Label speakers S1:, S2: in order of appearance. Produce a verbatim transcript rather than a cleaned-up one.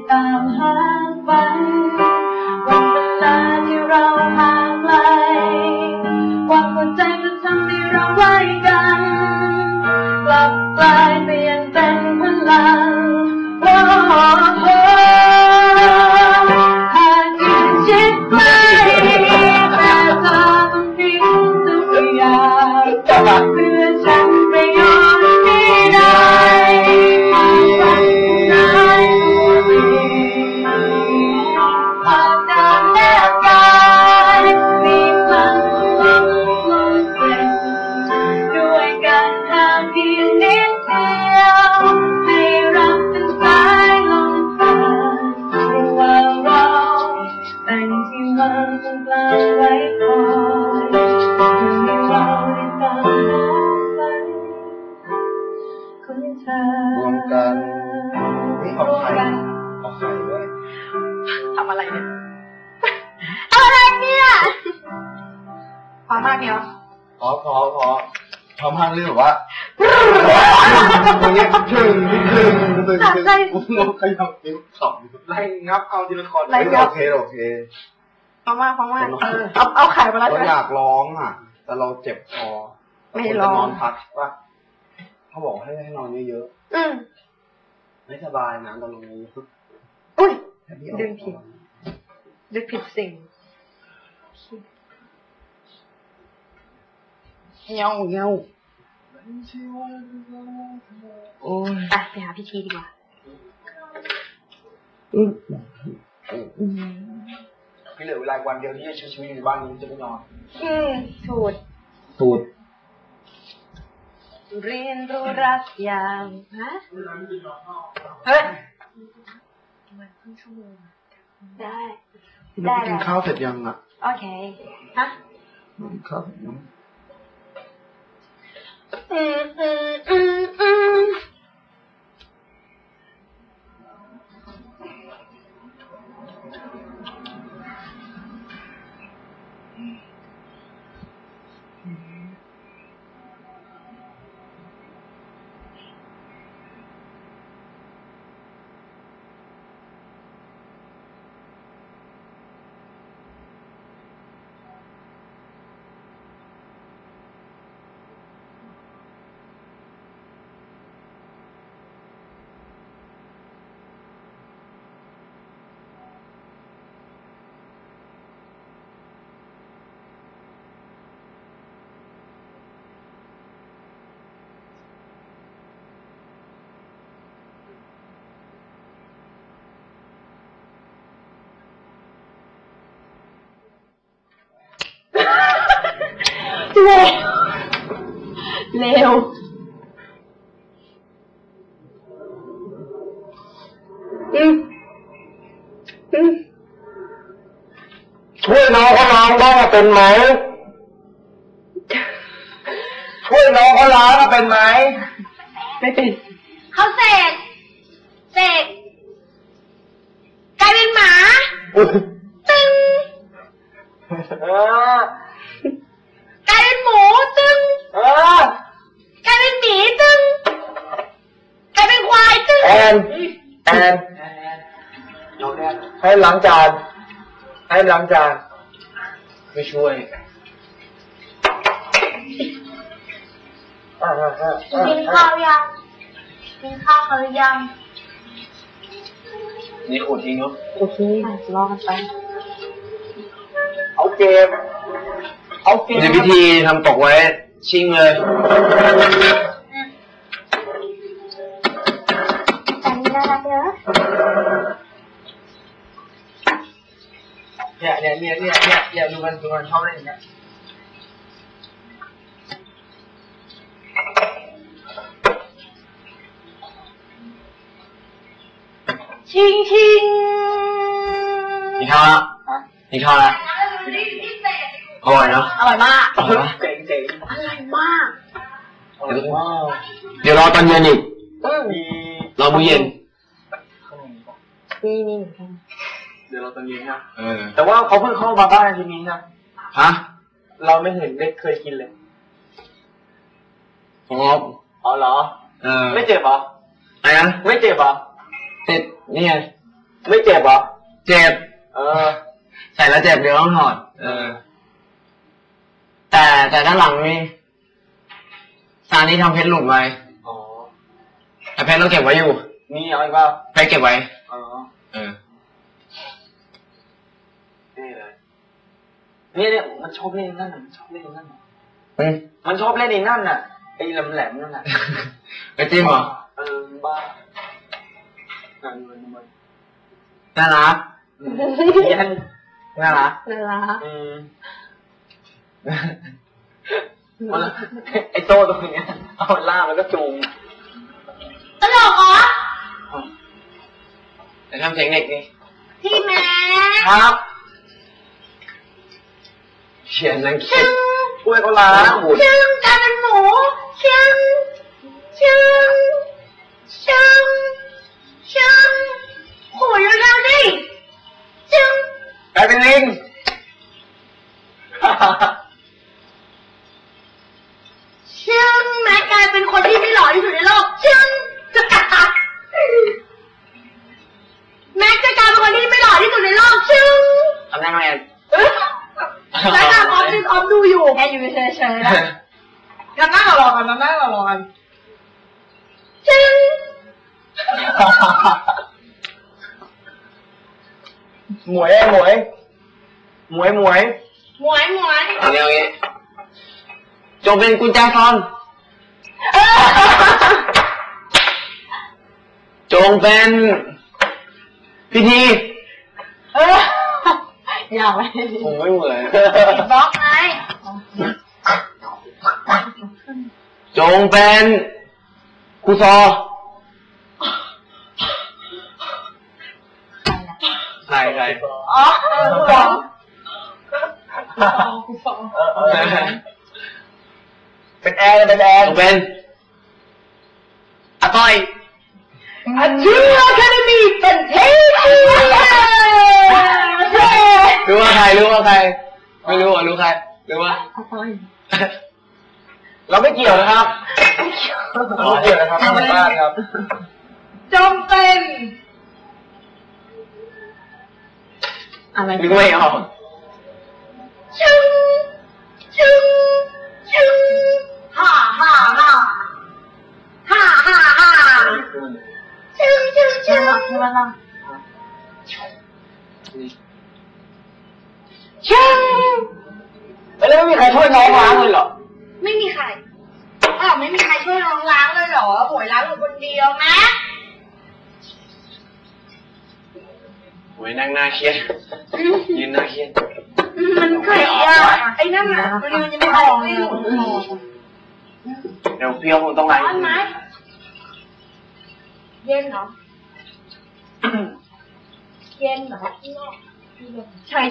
S1: ตามหาฝันวันเวลาที่เราห่างไกลความหัวใจจะทำให้เราไว้กันกลับกลายเปลี่ยนเป็นพลังโอ้โหหากยิ่งชิดใกล้แต่เธอต้องทิ้งทุกอย่างเพื่อฉันไปยอมที่ได้ฝันได้ความเดินแนบกายมีพลังล้มลงเส้นด้วยการห่างเพียงนิดเดียวให้รับเป็นสายลมผ่านระหว่างเราแต่งที่วางตรงกลางไว้คอยให้เราได้ตามหาฝันของเธอรวมกันนี่เอาไข่เอาไข่ด้วยทำอะไรเนี่ยทำอะไรเนี่ยพอมากเดียวพอพอพอพอมากเรื่องแบบว่าตรงนี้ถึงถึงถึงถึงงงขยับนิ้วสองไล่งับเอาทีละคนโอเคโอเคพอมากพอมากเอาเอาไข่มาแล้วเราอยากร้องอ่ะแต่เราเจ็บคอไม่ร้องนอนพักว่าเขาบอกให้ให้นอนเยอะๆอืมไม่สบายนะตอนนี้อุ้ยดึงผิดดึงผิดสิ่งเงาเงาโอ้ยไปไปหาพี่ทีดีกว่าพี่เหลือเวลาวันเดียวที่จะใช้ชีวิตอยู่ในบ้านนี้จะไม่นอนอืมสูตรสูตรเรียนรู้รักอย่างฮะเฮ้ยมันครึ่งชั่วโมงได้ได้กินข้าวเสร็จยังอ่ะโอเคฮะกินข้าวยังอืมอืมอืมอืมเร็วเร็วอืมอืมช่วยน้องเขาล้างบ้างเป็นไหมช่วยน้องเขาล้างเป็นไหมไม่เป็นเขาเสกเสกกลายเป็นหมาตึงกลายเป็นหมูตึงกลายเป็นหมีตึงกลายเป็นควายตึงแอนแอนให้ล้างจานให้ล้างจานไม่ช่วยกินข้าวยังกินข้าวหรือยังนี่ขูดทิ้งเนาะโอเครอกันไปเอาเกมเอาเกมในพิธีทำตกไว้ชิงเลยแต่นี่น่ารักเนอะเนี่ยเนี่ยเนี่ยเนี่ยเนี่ยเนี่ยดูมันดูมันชอบเล่นอย่างเงี้ยชิงชิงนี่ข้าวละนี่ข้าวละอร่อยเนาะอร่อยมากเจ๋งเจ๋งอร่อยมากเดี๋ยวรอตอนเย็นอีกรอมื้อเย็นนี่นี่เดี๋ยวรอตอนเย็นนะแต่ว่าเขาเพิ่งเข้ามาบ้านทีนี้นะฮะเราไม่เห็นได้เคยกินเลยอ๋ออ๋อเหรอเออไม่เจ็บเหรออะไรนะไม่เจ็บเหรอเจ็บนี่ไง
S2: ไม่เจ็บเหรอ
S3: เจ็บ
S2: เออ
S3: ใส่แล้วเจ็บเดี๋ยวต้องถอดเออแต่แต่ด้านหลังนี่ซานี่ทำเพชรหลุดไว้
S2: อ๋อ
S3: แต่เพชรเราเก็บไว้อยู่
S2: นี่เอาอีกเปล่า
S3: เพชรเก็บไว้
S2: อ๋อ
S3: เออ
S2: นี่เลยนี่เนี่ยมันชอบเล่นนั่นน่ะมันชอบเล่นนั่นน่ะ
S3: อืม
S2: มันชอบเล่นในนั่นน่ะไอ้แหลมๆนั่นน่ะ
S3: ไอ้จิ้มเหรอ
S2: เออบ้าน่ารัก
S3: น่ารัก
S2: ยัน
S3: น่ารัก
S1: น่ารัก
S2: อืมไอ้โต้ตรงนี้เอาล่ามันก็จูง
S1: ตลกเหรอ
S3: จะทำเสียงเด็กนี่
S1: พี่แม่
S2: ครับเขียนนังคิดกล้วยก็ล้างหมู
S1: ชึ้งกลายเป็นหมูชึ้งชึ้งชึ้งชึ้งโหยเร็วๆดิชึ้ง
S2: กลายเป็นลิง
S1: ชึ้งแม็กกลายเป็นคนที่ไม่หล่อที่สุดในโลกชึ้งแม็กจะกลายเป็นคนที่ไม่หล่อที่สุดในโลกชึ้ง
S3: ทำได้ไหม
S1: แล้วตาออฟดิออฟดูอยู่แค่อยู่เฉยๆนะ
S2: กันนั่งรอกันนั่งรอกัน
S1: ชึ้ง
S2: หมวยหมวยหมวยหมวย
S1: หมวยหมวย
S3: เอาอย่างงี้จงเป็นกุญแจซอนจงเป็นพิธี
S1: เอออยากไหม
S3: ผมไม่เหมือน
S1: บล็อกไง
S3: จงเป็นครูซอใครใคร
S1: อ๋อครูซอครูซอ
S2: เป็นแอร์เป็นแอร์
S3: เป็นอาต้อย
S1: อาชื่ออะคาเดมี่เป็นเทพ
S3: รู้ว่าใครรู้ว่าใครไม่รู้อ่ะรู้ใครรู้ว่า
S1: อาต้อย
S2: เราไม่เกี่ยวนะครับไม่เกี่ยวนะครับทางบ้านครับ
S1: จงเป็นอะไร
S3: นึกไม่ออก
S1: ชึ้งชึ้งชึ้งฮ่าฮ่าฮ่าฮ่าฮ่าฮ่าชึ้งชึ้งชึ้งชึ้งชึ้ง
S2: แล้วไม่มีใครช่วยน้องล้างเลยเหรอ
S1: ไม่มีใครอ้าวไม่มีใครช่วยน้องล้างเลยเหรอโหยล้างอยู่คนเดียวไหม
S3: โหยนั่งหน้าเครียดยืนหน้าเครียด
S1: มันเคยอ่ะไอ้นั่นอ่ะมันยังไม่ออกเลย
S3: เดี๋ยวพี่เขาคงต้องล้าง
S1: ร้อนไหมเย็นเหรอเย็นเหรอใช่